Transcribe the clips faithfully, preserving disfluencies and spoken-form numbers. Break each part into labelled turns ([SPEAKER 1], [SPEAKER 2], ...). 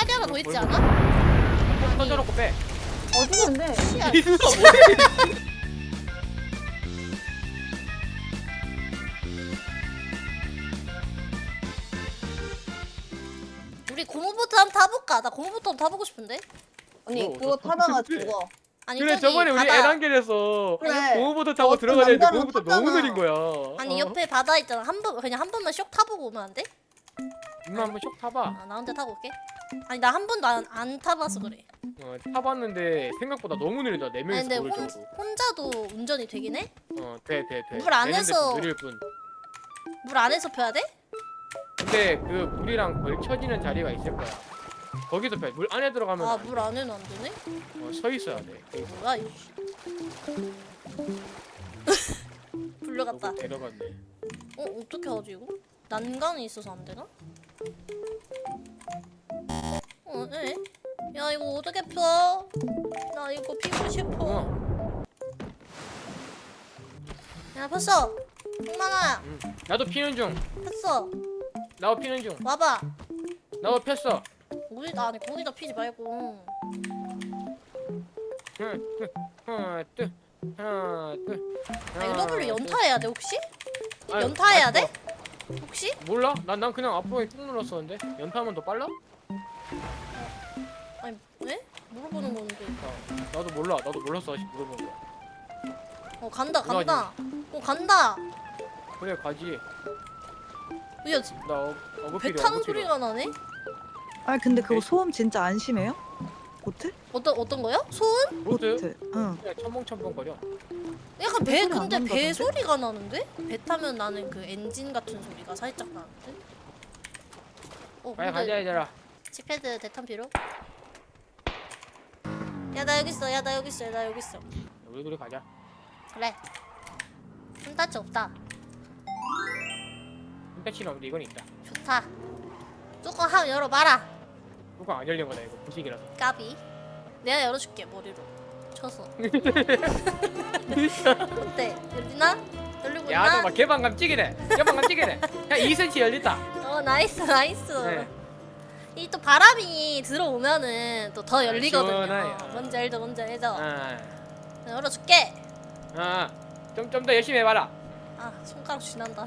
[SPEAKER 1] 헬기 하나 더 있지
[SPEAKER 2] 얼굴.
[SPEAKER 1] 않아?
[SPEAKER 2] 던져놓고 빼.
[SPEAKER 3] 어디는데?
[SPEAKER 1] 씨야.
[SPEAKER 2] 이 누나 뭐해?
[SPEAKER 1] 우리 고무보트 한번 타볼까? 나 고무보트 한번 타보고 싶은데.
[SPEAKER 3] 언니
[SPEAKER 2] 어,
[SPEAKER 3] 그거
[SPEAKER 2] 저-
[SPEAKER 3] 타다가
[SPEAKER 2] 근데-
[SPEAKER 3] 죽어.
[SPEAKER 1] 아니
[SPEAKER 2] 그래
[SPEAKER 1] 저기
[SPEAKER 2] 저번에 우리
[SPEAKER 1] 바다.
[SPEAKER 2] 에란겔에서
[SPEAKER 3] 그래.
[SPEAKER 2] 고무보트 타고
[SPEAKER 3] 어,
[SPEAKER 2] 들어가야 되는데
[SPEAKER 3] 남자는
[SPEAKER 2] 고무보트 너무
[SPEAKER 3] 탔잖아.
[SPEAKER 2] 느린 거야.
[SPEAKER 1] 아니
[SPEAKER 2] 어.
[SPEAKER 1] 옆에 바다 있잖아. 한 번 그냥 한 번만 쇽 타보고 오면 안 돼?
[SPEAKER 2] 누나 한번 쇽 타봐.
[SPEAKER 1] 아, 나 혼자 타고 올게. 아니 나 한 번도 안, 안 타봐서 그래.
[SPEAKER 2] 어, 타봤는데 생각보다 너무 느리다. 네
[SPEAKER 1] 아니
[SPEAKER 2] 명이서
[SPEAKER 1] 근데
[SPEAKER 2] 모를
[SPEAKER 1] 혼,
[SPEAKER 2] 정도.
[SPEAKER 1] 혼자도 운전이 되긴 해?
[SPEAKER 2] 어, 돼, 돼, 돼.
[SPEAKER 1] 물 안에서-
[SPEAKER 2] 되는데 좀 느릴 뿐.
[SPEAKER 1] 물 안에서 펴야 돼?
[SPEAKER 2] 근데 그 물이랑 걸쳐지는 자리가 있을 거야. 거기서 펴. 물 안에 들어가면
[SPEAKER 1] 아
[SPEAKER 2] 안 돼.
[SPEAKER 1] 물 안에는 안 되네?
[SPEAKER 2] 어, 서 있어야 돼. 거기서.
[SPEAKER 1] 뭐야 이 불려갔다.
[SPEAKER 2] 너무 데려갔네.
[SPEAKER 1] 어 어떻게 하지 이거? 난간이 있어서 안 되나? 어, 에? 야 이거 어떻게 펴? 나 이거 피고 싶어.
[SPEAKER 2] 어.
[SPEAKER 1] 야 폈어. 홍만아
[SPEAKER 2] 응. 나도 피는 중.
[SPEAKER 1] 폈어.
[SPEAKER 2] 나도 피는 중.
[SPEAKER 1] 와봐.
[SPEAKER 2] 나도 폈어.
[SPEAKER 1] 우리 아니 거기다 피지 말고.
[SPEAKER 2] 하나, 둘, 하나, 둘, 하나, 둘.
[SPEAKER 1] 아 이거 W 연타해야 돼 혹시?
[SPEAKER 2] 아유,
[SPEAKER 1] 연타해야
[SPEAKER 2] 아이고.
[SPEAKER 1] 돼? 혹시?
[SPEAKER 2] 몰라? 난, 난 그냥 앞으로 쭉 눌렀었는데 연타하면 더 빨라?
[SPEAKER 1] 아니 왜? 물어보는 건데.
[SPEAKER 2] 어, 나도 몰라. 나도 몰랐어. 아직 물어본 거.
[SPEAKER 1] 어 간다
[SPEAKER 2] 누가
[SPEAKER 1] 간다. 어 간다.
[SPEAKER 2] 그래 가지.
[SPEAKER 1] 야,
[SPEAKER 2] 나 어, 어급필이
[SPEAKER 1] 배 타는 소리가 나네?
[SPEAKER 4] 아 근데 그거
[SPEAKER 2] 네.
[SPEAKER 4] 소음 진짜 안 심해요? 보트?
[SPEAKER 1] 어떤 어떤 거요? 소음?
[SPEAKER 2] 보트?
[SPEAKER 4] 응.
[SPEAKER 2] 그냥 첨벙첨벙거려.
[SPEAKER 1] 약간 배
[SPEAKER 4] 소리 안
[SPEAKER 1] 근데 배
[SPEAKER 4] 난다던데?
[SPEAKER 1] 소리가 나는데? 배 타면 나는 그 엔진 같은 소리가 살짝 나는데? 어
[SPEAKER 2] 빨리 가자
[SPEAKER 1] 근데
[SPEAKER 2] 얘들아.
[SPEAKER 1] 칙패드 대탄 필요? 야 나 여기 있어 야 나 여기 있어 야 나 여기 있어
[SPEAKER 2] 우리 둘이 가자.
[SPEAKER 1] 그래 손타치 없다
[SPEAKER 2] 홈패치는 없는데 이건 있다.
[SPEAKER 1] 좋다 뚜껑 한번 열어봐라
[SPEAKER 2] 뚜껑 안 열린 거다 이거 부식이라서.
[SPEAKER 1] 까비 내가 열어줄게 머리로 쳐서 어때? 열리나? 열리고
[SPEAKER 2] 야,
[SPEAKER 1] 있나?
[SPEAKER 2] 너막 개방감 찌기네. 개방감 찌기네. 야, 이 센티미터 열렸다.
[SPEAKER 1] 어 나이스 나이스
[SPEAKER 2] 네.
[SPEAKER 1] 이 또 바람이 들어오면은 또 더 열리거든요
[SPEAKER 2] 시원하요.
[SPEAKER 1] 뭔지 알죠 뭔지 알죠
[SPEAKER 2] 아,
[SPEAKER 1] 열어줄게
[SPEAKER 2] 아, 좀 좀 더 열심히 해봐라.
[SPEAKER 1] 아 손가락 쥐난다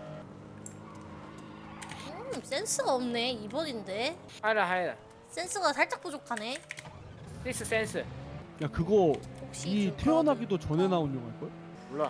[SPEAKER 1] 음 센스가 없네 이 번인데
[SPEAKER 2] 하라 하라.
[SPEAKER 1] 센스가 살짝 부족하네
[SPEAKER 2] 시스 센스.
[SPEAKER 5] 야 그거
[SPEAKER 1] 혹시
[SPEAKER 5] 이
[SPEAKER 1] 좀
[SPEAKER 5] 태어나기도
[SPEAKER 1] 도와줘.
[SPEAKER 5] 전에 나온 영화일걸?
[SPEAKER 2] 몰라.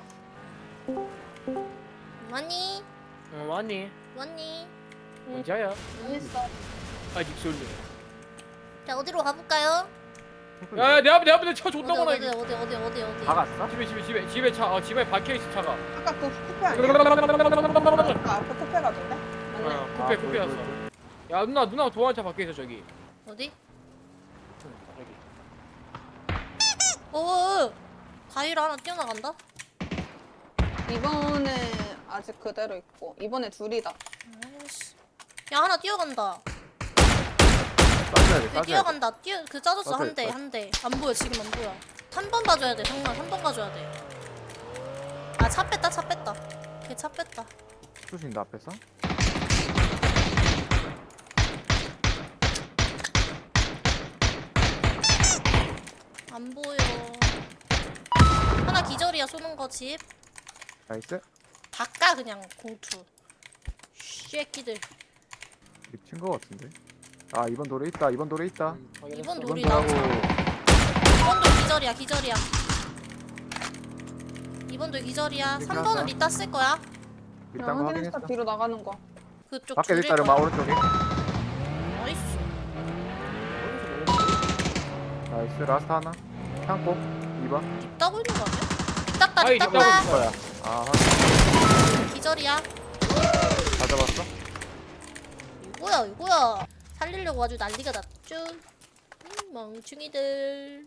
[SPEAKER 1] 왔니?
[SPEAKER 2] 어, 왔니?
[SPEAKER 1] 왔니?
[SPEAKER 2] 언제야?
[SPEAKER 3] 여기 있어.
[SPEAKER 2] 아직 솔로.
[SPEAKER 1] 자 어디로 가볼까요?
[SPEAKER 2] 야, 야, 내 앞에 내 앞에 차
[SPEAKER 1] 어디
[SPEAKER 2] 줬다고
[SPEAKER 1] 어디
[SPEAKER 2] 나.
[SPEAKER 1] 어디 어디 어디 어디
[SPEAKER 6] 박았어?
[SPEAKER 2] 집에 집에 집에 집에 차. 어, 집에 박혀 있어 차가.
[SPEAKER 3] 아까 그 쿠페 아니야? 아까 앞에 쿠페 가던데? 맞네.
[SPEAKER 2] 어, 쿠페
[SPEAKER 6] 아,
[SPEAKER 2] 쿠페
[SPEAKER 6] 돌,
[SPEAKER 2] 왔어.
[SPEAKER 6] 돌, 돌.
[SPEAKER 2] 야, 누나 누나 도안차 박혀 있어 저기.
[SPEAKER 1] 어디?
[SPEAKER 2] 응, 저기.
[SPEAKER 1] 어 가위로 하나 뛰어나간다?
[SPEAKER 3] 이번에 아직 그대로 있고 이번에 둘이다.
[SPEAKER 1] 아이씨 야 하나 뛰어간다
[SPEAKER 6] 싸줘야 돼,
[SPEAKER 1] 그
[SPEAKER 6] 싸줘야 돼.
[SPEAKER 1] 뛰어간다 뛰어 그 짜줬어
[SPEAKER 6] 맞아요,
[SPEAKER 1] 한 대
[SPEAKER 6] 맞아요.
[SPEAKER 1] 한 대 안 보여 지금 안 보여 삼 번 가줘야 돼 정말 삼 번 가줘야 돼아 차 뺐다 차 뺐다 걔 차 뺐다
[SPEAKER 6] 쏘신다 앞에서?
[SPEAKER 1] 안 보여 하나 기절이야 쏘는 거집
[SPEAKER 6] 나이스.
[SPEAKER 1] 바까 그냥 공투 쉐끼들
[SPEAKER 6] 미친 거 같은데. 아 이번 돌에 있다. 이번 돌에 있다.
[SPEAKER 2] 음, 확인했어.
[SPEAKER 1] 이번
[SPEAKER 6] 이번
[SPEAKER 1] 돌이다
[SPEAKER 6] 돌하고
[SPEAKER 1] 이번도 기절이야 기절이야 이번도 기절이야
[SPEAKER 6] 이렇게
[SPEAKER 1] 삼 번은
[SPEAKER 6] 하자.
[SPEAKER 1] 이따 쓸 거야
[SPEAKER 6] 밑단
[SPEAKER 3] 그냥
[SPEAKER 6] 거
[SPEAKER 3] 확인했어.
[SPEAKER 6] 확인했어.
[SPEAKER 3] 뒤로 나가는 거.
[SPEAKER 1] 그쪽
[SPEAKER 6] 밖에
[SPEAKER 1] 줄일
[SPEAKER 6] 있다 이러면
[SPEAKER 1] 거야
[SPEAKER 6] 오른쪽에.
[SPEAKER 1] 나이스
[SPEAKER 6] 나이스 라스트 하나. 창고 이 번.
[SPEAKER 1] 립 따고 있는 거 아니야? 립 땄다
[SPEAKER 2] 아이,
[SPEAKER 1] 립
[SPEAKER 2] 립 따고
[SPEAKER 1] 땄다
[SPEAKER 2] 있어.
[SPEAKER 6] 거야. 아 확인.
[SPEAKER 1] 기절이야
[SPEAKER 6] 다 잡았어?
[SPEAKER 1] 이거야 이거야 살리려고 아주 난리가 났죠 음, 멍충이들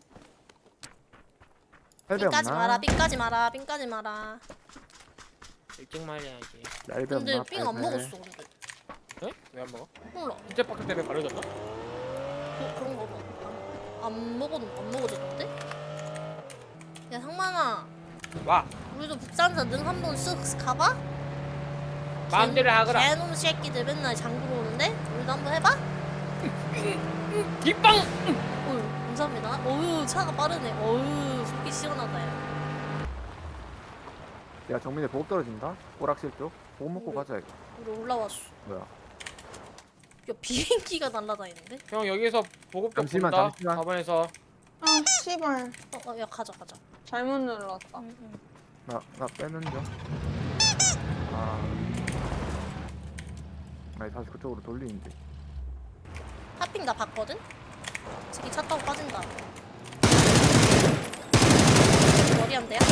[SPEAKER 6] 헬베
[SPEAKER 1] 삥까지 마라
[SPEAKER 6] 없나?
[SPEAKER 1] 삥까지 마라 삥까지 마라
[SPEAKER 2] 일찍 말해야지.
[SPEAKER 6] 헬베
[SPEAKER 1] 근데
[SPEAKER 6] 없나?
[SPEAKER 1] 삥 안
[SPEAKER 6] 헬베.
[SPEAKER 1] 먹었어 근데
[SPEAKER 2] 에? 왜 안 먹어?
[SPEAKER 1] 몰라
[SPEAKER 2] 진짜 박스 때문에 가려졌나?
[SPEAKER 1] 그, 그런 거 봐. 안, 안 먹어 안 먹어졌는데? 야 상만아
[SPEAKER 2] 와,
[SPEAKER 1] 우리도 북산사 능 한번 쓱 가봐?
[SPEAKER 2] 마음대로 하거라.
[SPEAKER 1] 개놈 새끼들 맨날 장구로 오는데? 우리도 한번 해봐?
[SPEAKER 2] 뒷방.
[SPEAKER 1] 어휴, 감사합니다. 어휴, 차가 빠르네. 어휴, 속이 시원하다. 야.
[SPEAKER 6] 야 정민이 보급 떨어진다. 오락실 쪽. 보급 먹고
[SPEAKER 1] 우리-
[SPEAKER 6] 가자 이거.
[SPEAKER 1] 우리 올라왔어.
[SPEAKER 6] 뭐야?
[SPEAKER 1] 야, 비행기가 날아다니는데?
[SPEAKER 2] 형 여기서 보급 좀
[SPEAKER 6] 잠시만,
[SPEAKER 2] 본다.
[SPEAKER 6] 잠시만.
[SPEAKER 2] 사 번에서.
[SPEAKER 3] 아 씨발
[SPEAKER 1] 어, 어, 야, 가자, 가자.
[SPEAKER 3] 잘못 눌렀다.
[SPEAKER 1] 응, 응.
[SPEAKER 6] 나 나 빼는 중. 아. 아니 다시 그쪽으로 돌리는데.
[SPEAKER 1] 하핑 나 봤거든? 저기 차 타고 빠진다. 머리 한 대야?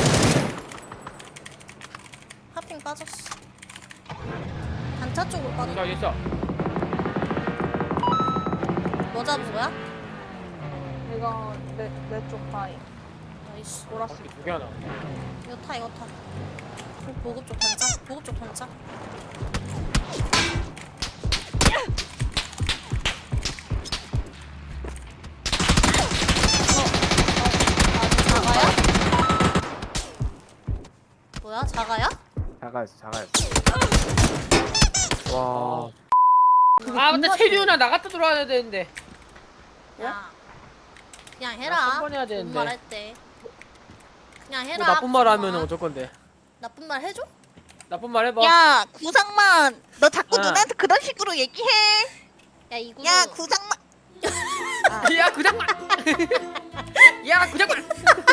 [SPEAKER 1] 하핑 빠졌어. 단차 쪽으로
[SPEAKER 2] 자
[SPEAKER 1] 빠졌다.
[SPEAKER 2] 있어.
[SPEAKER 1] 뭐 잡은 거야?
[SPEAKER 3] 이거 내내쪽 바위.
[SPEAKER 1] 나이스.
[SPEAKER 3] 보라색.
[SPEAKER 2] 바퀴 두개 하나.
[SPEAKER 1] 이거 타, 이거 타. 보급 쪽 단차? 보급 쪽 단차? 자가야? 뭐야? 자가야?
[SPEAKER 6] 자가였어 자가였어. 와.
[SPEAKER 2] 아 근데 체리우나 나갔다 들어와야 되는데.
[SPEAKER 1] 야, 그냥
[SPEAKER 2] 나
[SPEAKER 1] 해라.
[SPEAKER 2] 한 번 해야
[SPEAKER 1] 좋은
[SPEAKER 2] 되는데.
[SPEAKER 1] 말 할 때. 그냥
[SPEAKER 2] 뭐
[SPEAKER 1] 해라.
[SPEAKER 2] 나쁜 말 하면
[SPEAKER 1] 구상만.
[SPEAKER 2] 어쩔 건데.
[SPEAKER 1] 나쁜 말 해줘?
[SPEAKER 2] 나쁜 말 해봐.
[SPEAKER 5] 야 구상만 너 자꾸
[SPEAKER 2] 어.
[SPEAKER 5] 누나한테 그런 식으로 얘기해.
[SPEAKER 1] 야 이거.
[SPEAKER 5] 야 구상만
[SPEAKER 2] 야 구장만. 야 구장만.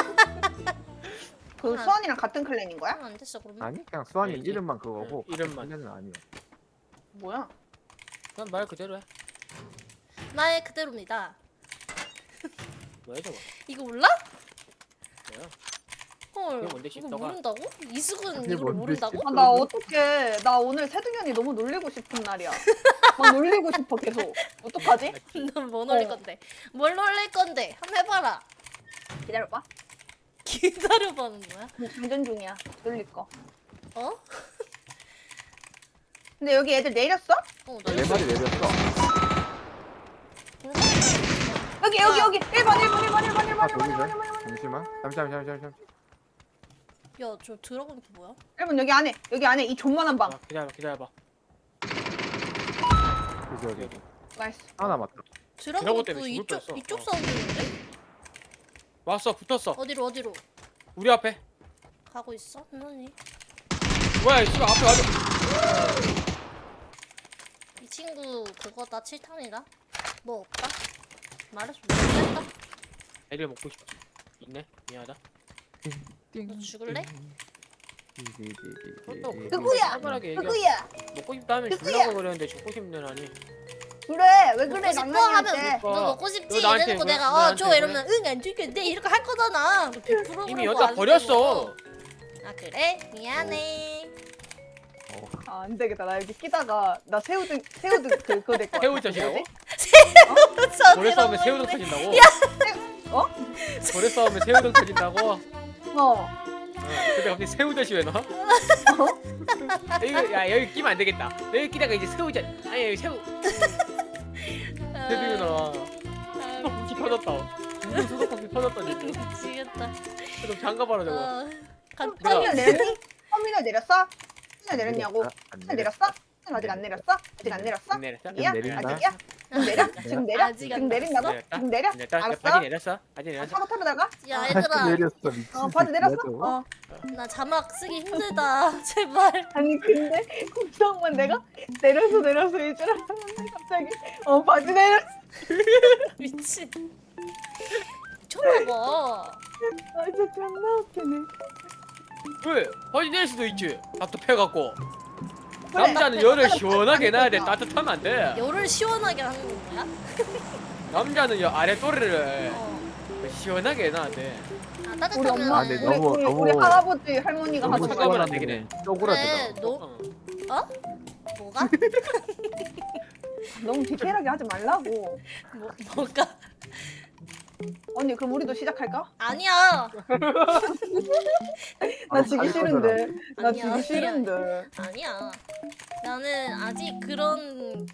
[SPEAKER 3] 그 수환이랑 같은 클랜인 거야?
[SPEAKER 1] 안 됐어 그러면.
[SPEAKER 6] 아니 그냥 수환이
[SPEAKER 2] 아니지.
[SPEAKER 6] 이름만 그거고.
[SPEAKER 2] 응, 이름만.
[SPEAKER 6] 는 아니야.
[SPEAKER 3] 뭐야?
[SPEAKER 2] 난 말 그대로 해.
[SPEAKER 1] 나의 그대로입니다.
[SPEAKER 2] 뭐야 저거?
[SPEAKER 1] 이거 몰라?
[SPEAKER 2] 뭐야?
[SPEAKER 1] 헐.
[SPEAKER 2] 그게 뭔데,
[SPEAKER 1] 이거
[SPEAKER 2] 씹다가?
[SPEAKER 1] 모른다고? 이수근
[SPEAKER 6] 그게
[SPEAKER 1] 이걸
[SPEAKER 6] 뭔데,
[SPEAKER 1] 모른다고?
[SPEAKER 3] 아, 나 어떡해. 나 오늘 세둥현이 너무 놀리고 싶은 날이야. 막 놀리고 싶어 계속. 어떡하지?
[SPEAKER 1] 넌뭐 놀릴
[SPEAKER 3] 어.
[SPEAKER 1] 건데? 뭘 놀릴 건데? 한번 해봐라.
[SPEAKER 3] 기다려봐.
[SPEAKER 1] 기다려봐는 뭐야?
[SPEAKER 3] 장전 중이야. 놀릴 거.
[SPEAKER 1] 어?
[SPEAKER 3] 근데 여기 애들 내렸어?
[SPEAKER 1] 어,
[SPEAKER 6] 내
[SPEAKER 1] 놀릴
[SPEAKER 6] 말이 내렸어.
[SPEAKER 3] 여기 여기 여기 일 번 일 번 일 번 일 번 일
[SPEAKER 6] 아
[SPEAKER 3] 번 일 번 일 번 일 번 일 번 일 번
[SPEAKER 6] 잠시만. 잠시만 잠시만 잠시만.
[SPEAKER 1] 야, 저 들어가는 게 뭐야?
[SPEAKER 3] 일 번 여기 안에 여기 안에 이 존만한 방.
[SPEAKER 2] 아, 기다려봐 기다려봐.
[SPEAKER 6] 그지 여기.
[SPEAKER 3] 나이스.
[SPEAKER 6] 하나 맞다.
[SPEAKER 1] 들어가는
[SPEAKER 2] 들어갈
[SPEAKER 1] 거
[SPEAKER 2] 때문에 죽을
[SPEAKER 1] 이쪽
[SPEAKER 2] 뻔했어.
[SPEAKER 1] 이쪽
[SPEAKER 2] 어.
[SPEAKER 1] 사운드인데?
[SPEAKER 2] 왔어 붙었어.
[SPEAKER 1] 어디로 어디로?
[SPEAKER 2] 우리 앞에.
[SPEAKER 1] 가고 있어? 언니.
[SPEAKER 2] 뭐야 씨발 앞에 와줘.
[SPEAKER 1] 이 친구 그거다 칠탄이다. 뭐 없다? 말해서 모르겠다.
[SPEAKER 2] 애를 먹고 싶어. 있네. 미안하다.
[SPEAKER 1] 너 죽을래?
[SPEAKER 3] 누구야?
[SPEAKER 2] 살벌하게 얘기하.
[SPEAKER 3] 누구야?
[SPEAKER 2] 먹고 싶다면
[SPEAKER 3] 누구야?
[SPEAKER 2] 주려고 그랬는데 죽고 싶는 아니.
[SPEAKER 3] 그래 왜
[SPEAKER 1] 먹고
[SPEAKER 3] 그래
[SPEAKER 1] 싶어
[SPEAKER 3] 낭만이한테.
[SPEAKER 1] 하면
[SPEAKER 2] 뭐.
[SPEAKER 1] 너 먹고 싶지
[SPEAKER 2] 너 나한테
[SPEAKER 1] 이래놓고
[SPEAKER 2] 왜-
[SPEAKER 1] 내가
[SPEAKER 2] 나한테
[SPEAKER 1] 어줘
[SPEAKER 2] 왜?
[SPEAKER 1] 이러면 응 안 줄겠네 이렇게 할 거잖아. 백 퍼센트
[SPEAKER 2] 이미
[SPEAKER 1] 그러고
[SPEAKER 2] 여자
[SPEAKER 1] 안
[SPEAKER 2] 버렸어.
[SPEAKER 1] 되고. 아 그래? 미안해.
[SPEAKER 3] 아, 안 되겠다. 나 여기 끼다가 나 새우등 새우등 그 그거 될 거야.
[SPEAKER 2] 새우젓이라고?
[SPEAKER 1] 저
[SPEAKER 2] 고래 싸움에
[SPEAKER 1] 이러고
[SPEAKER 2] 새우등
[SPEAKER 1] 있네.
[SPEAKER 2] 터진다고?
[SPEAKER 3] 어?
[SPEAKER 2] 고래 싸움에 새우등 터진다고? 어.
[SPEAKER 3] 어.
[SPEAKER 2] 근데 갑자기 새우젓이 왜 나와? 이거 야 여기 끼면 안 되겠다. 여기 끼다가 이제 새우젓. 아니 여기 새우.
[SPEAKER 1] 아,
[SPEAKER 2] 새우젓이 나와.
[SPEAKER 1] 아,
[SPEAKER 2] 수도꼭지 터졌다. 중국 수도꼭지 터졌다 지금.
[SPEAKER 1] 미치겠다.
[SPEAKER 2] 좀 잠가봐라 저거.
[SPEAKER 1] 어,
[SPEAKER 3] 터미널
[SPEAKER 1] 간단히
[SPEAKER 3] 내렸니? 터미널 내렸어? 터미널 내렸냐고?
[SPEAKER 6] 안
[SPEAKER 3] 터미널 내렸어? 아직 안 내렸어? 아직 안 내렸어?
[SPEAKER 2] 안 내렸어?
[SPEAKER 3] 아직이야?
[SPEAKER 6] 내린다.
[SPEAKER 3] 아직이야? 지금 내려? 지금 내려?
[SPEAKER 1] 아직 안
[SPEAKER 3] 지금 내린다고?
[SPEAKER 2] 내렸다?
[SPEAKER 3] 지금 내려?
[SPEAKER 2] 내렸다. 야,
[SPEAKER 3] 알았어?
[SPEAKER 2] 바지 내렸어? 바지
[SPEAKER 3] 아,
[SPEAKER 2] 내렸어?
[SPEAKER 3] 타고 타러 나가?
[SPEAKER 1] 야
[SPEAKER 6] 다시
[SPEAKER 1] 얘들아
[SPEAKER 6] 내렸어 미친.
[SPEAKER 3] 어 바지 내렸어?
[SPEAKER 6] 새끼야, 저거.
[SPEAKER 3] 어
[SPEAKER 1] 나 자막 쓰기 힘들다 제발.
[SPEAKER 3] 아니 근데 국상만 내가 내려서 내려서 일줄 알았는데 갑자기 어 바지 내려
[SPEAKER 1] 미친. 미쳤나봐.
[SPEAKER 3] 아 진짜 존나 웃기네.
[SPEAKER 2] 왜? 바지 내릴 수도 있지. 답답해갖고.
[SPEAKER 3] 그래.
[SPEAKER 2] 남자는 열을 시원하게 놔야 돼. 따뜻하면 안 돼.
[SPEAKER 1] 열을 시원하게 하는 거야?
[SPEAKER 2] 남자는 여 아래 또래를
[SPEAKER 1] 어.
[SPEAKER 2] 시원하게 놔야 돼.
[SPEAKER 1] 아
[SPEAKER 3] 우리
[SPEAKER 1] 따뜻하면.
[SPEAKER 3] 엄마
[SPEAKER 6] 아, 근데
[SPEAKER 3] 우리,
[SPEAKER 6] 너무-
[SPEAKER 3] 우리,
[SPEAKER 6] 너무-
[SPEAKER 3] 우리 할아버지 할머니가
[SPEAKER 2] 너무
[SPEAKER 3] 하도
[SPEAKER 2] 차가우면
[SPEAKER 3] 말해.
[SPEAKER 2] 안 되긴 해.
[SPEAKER 6] 쪼그라들어.
[SPEAKER 1] 그래 너
[SPEAKER 2] 어.
[SPEAKER 1] 어? 뭐가?
[SPEAKER 3] 너무 디테일하게 하지 말라고.
[SPEAKER 1] 뭐 뭐가?
[SPEAKER 3] 언니 그럼 우리도 시작할까?
[SPEAKER 1] 아니야.
[SPEAKER 3] 나
[SPEAKER 6] 아,
[SPEAKER 3] 지기
[SPEAKER 6] 할
[SPEAKER 3] 싫은데. 나
[SPEAKER 1] 아니야,
[SPEAKER 3] 지기
[SPEAKER 1] 아니야.
[SPEAKER 3] 싫은데.
[SPEAKER 1] 아니야. 나는 아직 그런.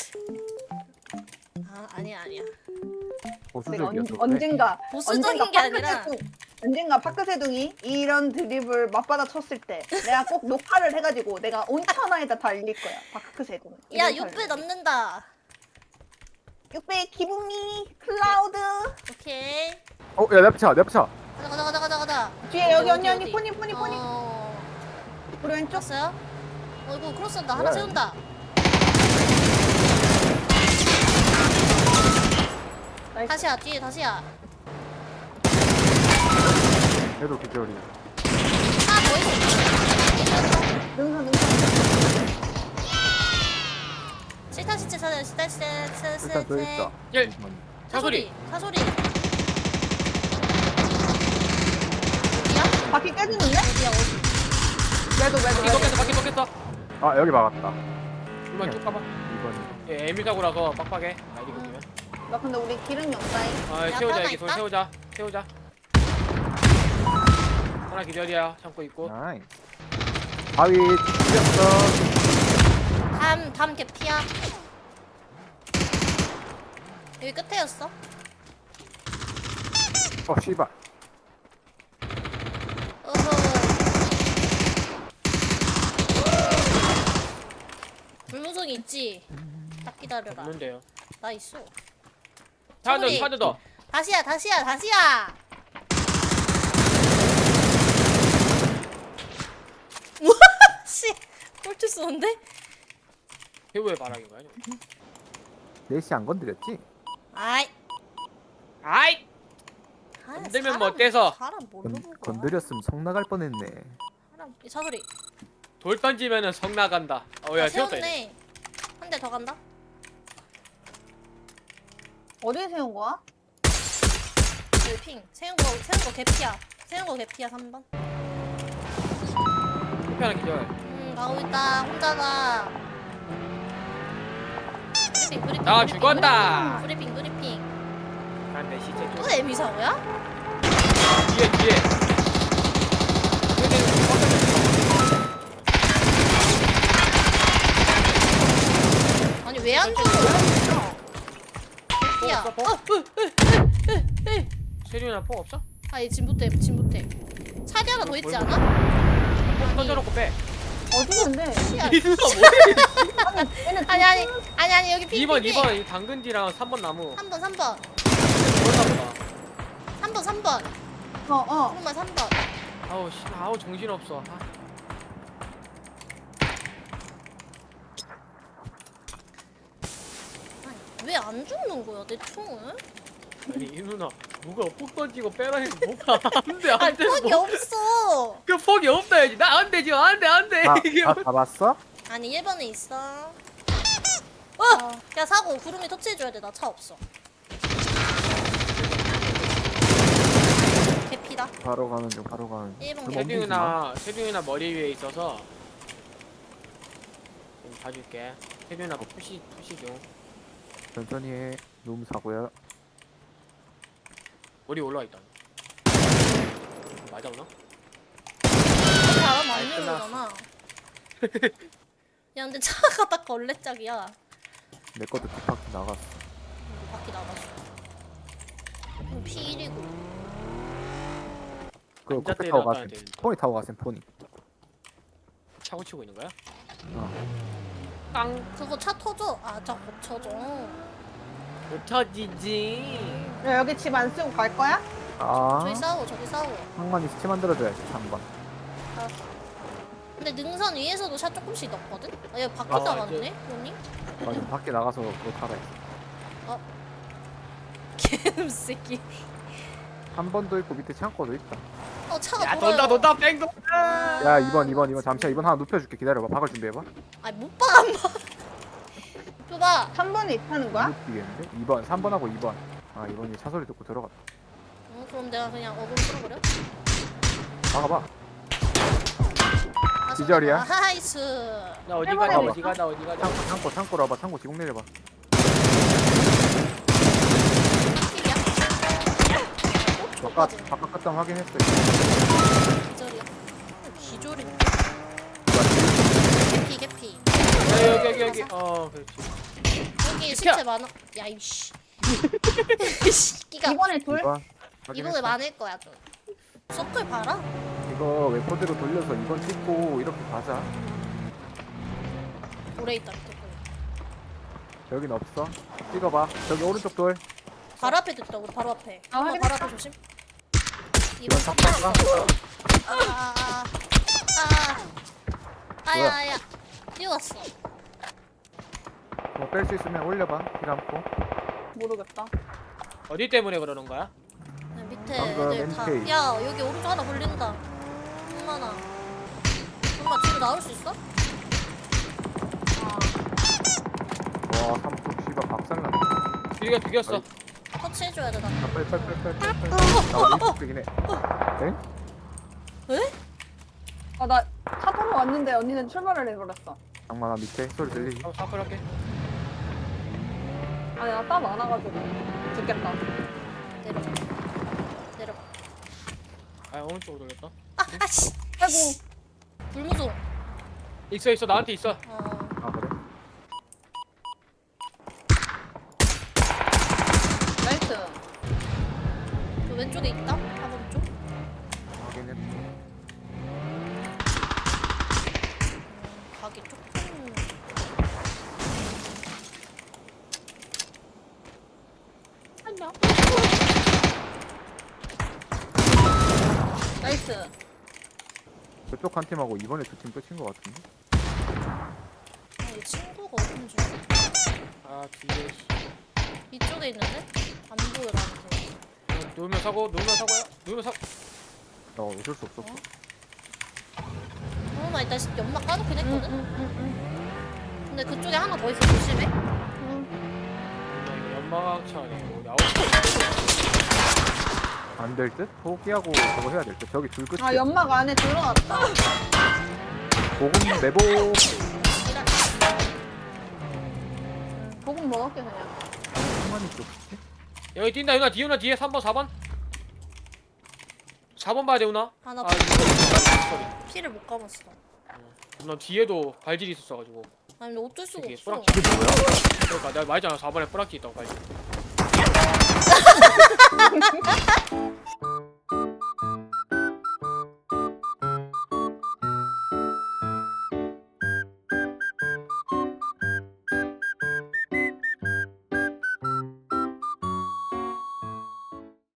[SPEAKER 1] 아 아니야 아니야.
[SPEAKER 3] 내가
[SPEAKER 6] 보수적이야.
[SPEAKER 3] 언, 언젠가
[SPEAKER 1] 보수적인 게 아니라.
[SPEAKER 3] 파크세둥, 언젠가 파크세둥이 이런 드립을 맞받아 쳤을 때 내가 꼭 녹화를 해가지고 내가 온 천하에다 다 알릴 거야. 파크세둥.
[SPEAKER 1] 야
[SPEAKER 3] 이런
[SPEAKER 1] 육배
[SPEAKER 3] 사람.
[SPEAKER 1] 남는다.
[SPEAKER 3] 육백 기분이 클라우드.
[SPEAKER 1] 오케이.
[SPEAKER 6] 어, 야, 내 앞차, 내 앞차.
[SPEAKER 1] 가자 가자 가자 가자 가자.
[SPEAKER 3] 뒤에 여기
[SPEAKER 1] 어디,
[SPEAKER 3] 언니
[SPEAKER 1] 어디?
[SPEAKER 3] 언니 포니 포니 포니.
[SPEAKER 1] 어.
[SPEAKER 3] 우리 왼쪽.
[SPEAKER 1] 쳤어요? 어 이거 크로스한다. 하나
[SPEAKER 6] 왜?
[SPEAKER 1] 세운다.
[SPEAKER 3] 나이스.
[SPEAKER 1] 다시야 뒤에 다시야.
[SPEAKER 6] 얘도 기절이.
[SPEAKER 1] 하나 더 있어.
[SPEAKER 3] 능선 능선.
[SPEAKER 1] 실타 시체 사자 실타 시체
[SPEAKER 6] 일단 더 있다.
[SPEAKER 2] 예. 차소리.
[SPEAKER 1] 사소리. 어디야?
[SPEAKER 3] 바퀴 깨지는데?
[SPEAKER 1] 어디야 어디?
[SPEAKER 3] 왜도 왜도
[SPEAKER 2] 바퀴
[SPEAKER 3] 왜도.
[SPEAKER 2] 먹겠어 바퀴 먹겠어.
[SPEAKER 6] 아, 여기 막았다.
[SPEAKER 2] 이번 쭉 가봐.
[SPEAKER 6] 이번.
[SPEAKER 2] 예, 에밀 사고라서 빡빡해. 나이거든요.
[SPEAKER 3] 나 근데 우리 기름이 없다잉.
[SPEAKER 2] 아
[SPEAKER 1] 야,
[SPEAKER 2] 세우자
[SPEAKER 1] 하나
[SPEAKER 2] 여기 손
[SPEAKER 1] 있다?
[SPEAKER 2] 세우자 세우자. 하나 기다려 참고 있고.
[SPEAKER 6] 나이. 바위 찢었어.
[SPEAKER 1] 담, 담 개피야. 여기 끝에였어.
[SPEAKER 6] 어, 씨발.
[SPEAKER 1] 어허. 불무성이 있지. 딱 기다려라.
[SPEAKER 2] 없는데요.
[SPEAKER 1] 나 있어.
[SPEAKER 2] 하나 더
[SPEAKER 1] 차소리.
[SPEAKER 2] 하나 더.
[SPEAKER 1] 다시야, 다시야, 다시야. 우와, 씨, 꼴찌 쏘는데?
[SPEAKER 2] 배우의 바람인가요?
[SPEAKER 6] 넷이 안 건드렸지?
[SPEAKER 1] 아이,
[SPEAKER 2] 아이
[SPEAKER 1] 아,
[SPEAKER 2] 건들면
[SPEAKER 1] 사람-
[SPEAKER 2] 뭐 어때서?
[SPEAKER 1] 사람 뭘로
[SPEAKER 6] 건,
[SPEAKER 1] 볼 거야?
[SPEAKER 6] 건드렸으면 성 나갈 뻔했네.
[SPEAKER 1] 사람 이 차소리.
[SPEAKER 2] 돌 던지면은 성 나간다. 어야
[SPEAKER 1] 아,
[SPEAKER 2] 세웠다. 이제.
[SPEAKER 1] 세웠네. 한 대 더 간다.
[SPEAKER 3] 어디에 세운 거야?
[SPEAKER 1] 여기 핑. 세운 거, 세운 거 개피야. 세운 거 개피야. 삼 번.
[SPEAKER 2] 커피 하나 기절.
[SPEAKER 1] 음, 가고 있다. 혼자다. 브리핑, 브리핑.
[SPEAKER 2] 나
[SPEAKER 1] 브리핑,
[SPEAKER 2] 죽었다.
[SPEAKER 1] 브리핑, 브리핑. 브리핑.
[SPEAKER 2] 난내 시체
[SPEAKER 1] 또
[SPEAKER 2] 쪽.
[SPEAKER 1] 에미 사고야?
[SPEAKER 2] 뒤에 뒤에.
[SPEAKER 1] 아니 왜 안 죽어? 개피야.
[SPEAKER 2] 없어,
[SPEAKER 1] 어,
[SPEAKER 2] 폭?
[SPEAKER 1] 으, 으, 으, 으, 으.
[SPEAKER 2] 세륜이나 폭 없어?
[SPEAKER 1] 아얘 진부대, 진부대. 차기 하나 더 있지
[SPEAKER 2] 뭘
[SPEAKER 1] 않아?
[SPEAKER 2] 폭 던져놓고 빼.
[SPEAKER 3] 어디 있는데?
[SPEAKER 1] 야,
[SPEAKER 2] 이누가 뭐해?
[SPEAKER 3] 아니 얘네
[SPEAKER 1] 아니 아니 아니 아니 여기 핑.
[SPEAKER 2] 이 번 이 번 이 당근지랑 삼 번 나무.
[SPEAKER 1] 삼 번, 삼 번.
[SPEAKER 2] 그런가 보다.
[SPEAKER 1] 삼 번, 삼 번.
[SPEAKER 3] 어어.
[SPEAKER 1] 조금만 삼 번.
[SPEAKER 2] 아우 씨 아우 정신 없어. 아.
[SPEAKER 1] 왜 안 죽는 거야 내 총을?
[SPEAKER 2] 아니 이 누나 누가 폭 던지고 빼라 해서 뭐가 안돼
[SPEAKER 1] 아니
[SPEAKER 2] 안돼.
[SPEAKER 1] 폭이 없어.
[SPEAKER 2] 그 폭이 없다 해야지. 나 안 되지 안돼 안돼.
[SPEAKER 6] 아,
[SPEAKER 2] 이게
[SPEAKER 6] 아,
[SPEAKER 2] 뭐-
[SPEAKER 6] 잡았어?
[SPEAKER 1] 아니 일 번에 있어. 어! 야 사고 구름이 터치해줘야 돼. 나 차 없어. 개피다.
[SPEAKER 6] 바로 가는 중, 바로 가는 중.
[SPEAKER 1] 일 번
[SPEAKER 6] 그럼
[SPEAKER 1] 개피.
[SPEAKER 6] 옮기지 마.
[SPEAKER 2] 세균이나 세균이나 머리 위에 있어서 좀 봐줄게. 세균이나 푸시 푸시 중.
[SPEAKER 6] 천천히 해. 너무 사고야.
[SPEAKER 2] 머리 올라와 있다. 맞았나?
[SPEAKER 1] 바람 안
[SPEAKER 2] 아이,
[SPEAKER 1] 내는
[SPEAKER 2] 끝났어.
[SPEAKER 1] 거잖아. 야 근데 차가 딱 걸레짝이야.
[SPEAKER 6] 내 것도 뒷바퀴 나갔어.
[SPEAKER 1] 이거 바퀴 나갔어. 그럼 피 일이고.
[SPEAKER 6] 그
[SPEAKER 2] 앉아
[SPEAKER 6] 커피 타고
[SPEAKER 2] 때려놔야
[SPEAKER 6] 가셈.
[SPEAKER 2] 되는데.
[SPEAKER 6] 포니 타고 가셈, 포니.
[SPEAKER 2] 차고 치고 있는 거야?
[SPEAKER 6] 어.
[SPEAKER 2] 깡.
[SPEAKER 1] 그거 차 터져. 아차 겹쳐져.
[SPEAKER 2] 못 터지지.
[SPEAKER 3] 야 여기 집 안 쓰고 갈 거야?
[SPEAKER 6] 아,
[SPEAKER 1] 저기 싸워 저기 싸워.
[SPEAKER 6] 상관이 스치 만들어줘야지, 삼 번.
[SPEAKER 1] 알았어. 근데 능선 위에서도 샷 조금씩 넣거든? 아, 얘 바퀴
[SPEAKER 2] 아,
[SPEAKER 1] 나갔네? 언니?
[SPEAKER 6] 맞아, 밖에 나가서 그거 타라 했어.
[SPEAKER 1] 개새끼.
[SPEAKER 6] 한 번도 있고 밑에 창고도 있다.
[SPEAKER 1] 어 차가
[SPEAKER 2] 야
[SPEAKER 1] 돌아요.
[SPEAKER 2] 돈다 돈다 뺑 돈다.
[SPEAKER 6] 야, 이 번, 이 번, 이 번. 잠시만, 이 번 하나 눕혀줄게. 기다려봐. 박을 준비해봐.
[SPEAKER 1] 아니 못 봐, 안 봐. 봐.
[SPEAKER 3] 삼 번에 있다는 거야?
[SPEAKER 6] 못 뛰겠는데? 이 번, 삼 번하고 이 번. 아, 이 번이 차 소리 듣고 들어갔다.
[SPEAKER 1] 어, 그럼 내가 그냥 어그로 끌어버려?
[SPEAKER 6] 막아봐.
[SPEAKER 1] 아,
[SPEAKER 6] 기절이야?
[SPEAKER 1] 아, 하이스.
[SPEAKER 2] 나 어디
[SPEAKER 3] 해봐야
[SPEAKER 2] 가나
[SPEAKER 6] 돼.
[SPEAKER 2] 어디 가나 어디 가나.
[SPEAKER 6] 창고, 창고, 창고로 와봐. 창고 지붕 내려봐.
[SPEAKER 1] 킬이야?
[SPEAKER 6] 바깥, 바깥 갔다 확인했어.
[SPEAKER 1] 기절이야? 기절이
[SPEAKER 6] 누가
[SPEAKER 1] 개피 개피.
[SPEAKER 2] 야, 여기 여기 여기. 어 그렇지.
[SPEAKER 1] 여기
[SPEAKER 2] 비켜.
[SPEAKER 1] 실체 많아. 야 이씨. 씨끼가
[SPEAKER 3] 이번에 둘?
[SPEAKER 6] 이 번?
[SPEAKER 1] 이번에
[SPEAKER 6] 확인했어.
[SPEAKER 1] 많을 거야 좀. 서클 봐라.
[SPEAKER 6] 이거 웨포대로 돌려서 이 번 찍고 이렇게 가자.
[SPEAKER 1] 오래 있다 밑에.
[SPEAKER 6] 여긴 없어. 찍어봐. 저기 오른쪽 돌.
[SPEAKER 1] 바로 앞에 있다. 우리 바로 앞에.
[SPEAKER 3] 아,
[SPEAKER 1] 엄마
[SPEAKER 3] 확인.
[SPEAKER 1] 바로 앞에 조심. 이번
[SPEAKER 6] 이건
[SPEAKER 1] 탑
[SPEAKER 6] 탑
[SPEAKER 1] 아아아 아. 아야
[SPEAKER 6] 뭐야?
[SPEAKER 1] 아야. 뛰어갔어.
[SPEAKER 6] 뭐 뺄 수 있으면 올려봐. 길 감고.
[SPEAKER 3] 모르겠다.
[SPEAKER 2] 어디 때문에 그러는 거야?
[SPEAKER 1] 네, 밑에
[SPEAKER 6] 방금
[SPEAKER 1] 애들 다.
[SPEAKER 6] 엔케이.
[SPEAKER 1] 야 여기 오른쪽 하나 걸린다. 엄마나. 엄마 뒤로 나올 수 있어?
[SPEAKER 6] 와 삼뚝 씨발 박살났네.
[SPEAKER 2] 길이가 죽였어.
[SPEAKER 6] 아이.
[SPEAKER 1] 터치해줘야 돼 나.
[SPEAKER 6] 아, 빨리 빨리 빨리 빨리 빨리. 빨리. 나 이쪽 되긴 해. 엥?
[SPEAKER 1] 에?
[SPEAKER 3] 아, 나 차 타러 왔는데 언니는 출발을 해버렸어.
[SPEAKER 6] 장만아 밑에 소리 들리지?
[SPEAKER 2] 한번 사플 할게.
[SPEAKER 3] 아니, 나 땀 많아가지고. 죽겠다.
[SPEAKER 1] 내려가. 내려가.
[SPEAKER 2] 아 오른쪽으로 돌렸다.
[SPEAKER 1] 아 아씨.
[SPEAKER 3] 아이고.
[SPEAKER 1] 불무송.
[SPEAKER 2] 있어 있어 나한테 있어.
[SPEAKER 1] 어.
[SPEAKER 6] 아 그래?
[SPEAKER 3] 나이스.
[SPEAKER 1] 저 왼쪽에 있다. 사번 쪽.
[SPEAKER 6] 확인했어.
[SPEAKER 1] 가기 조금. 안녕.
[SPEAKER 3] 나이스.
[SPEAKER 6] 저쪽 한 팀하고 이번에 두 팀 끝인 것 같은데?
[SPEAKER 1] 아, 이 친구가 어딘지.
[SPEAKER 2] 아 뒤에. 씨.
[SPEAKER 1] 이쪽에 있는데? 안 보여 나한테.
[SPEAKER 2] 어, 누우면 사고 누우면 사고야. 누우면 사.
[SPEAKER 6] 나 어쩔 수 없었어.
[SPEAKER 1] 어, 나 이따 연막 까놓긴
[SPEAKER 3] 응,
[SPEAKER 1] 했거든?
[SPEAKER 3] 응, 응,
[SPEAKER 1] 근데 그쪽에 하나 더 있어, 조심해.
[SPEAKER 3] 응.
[SPEAKER 2] 나 이거 연막차 아니고 나오.
[SPEAKER 6] 안 될 듯? 포기하고 저거 해야 될 듯. 저기 줄 끝에.
[SPEAKER 3] 아, 연막 안에 들어갔다.
[SPEAKER 6] 보금 내보.
[SPEAKER 1] 이라.
[SPEAKER 3] 보금 먹을게, 그냥.
[SPEAKER 6] 한만이 쪽 끝에?
[SPEAKER 2] 여기 뛴다 유나 뒤에 유나 뒤에 삼 번 사 번. 사 번 봐야 돼 유나.
[SPEAKER 1] 하나
[SPEAKER 2] 아 이거
[SPEAKER 1] 피를 못 감았어.
[SPEAKER 2] 나 뒤에도 발질이 있었어가지고.
[SPEAKER 1] 아니, 근데 어쩔 수가
[SPEAKER 2] 이게
[SPEAKER 1] 없어.
[SPEAKER 2] 뿌락치.
[SPEAKER 6] 이게 뭐야?
[SPEAKER 2] 그러니까 내가 말했잖아 사 번에 뿌락지 있다고 발질.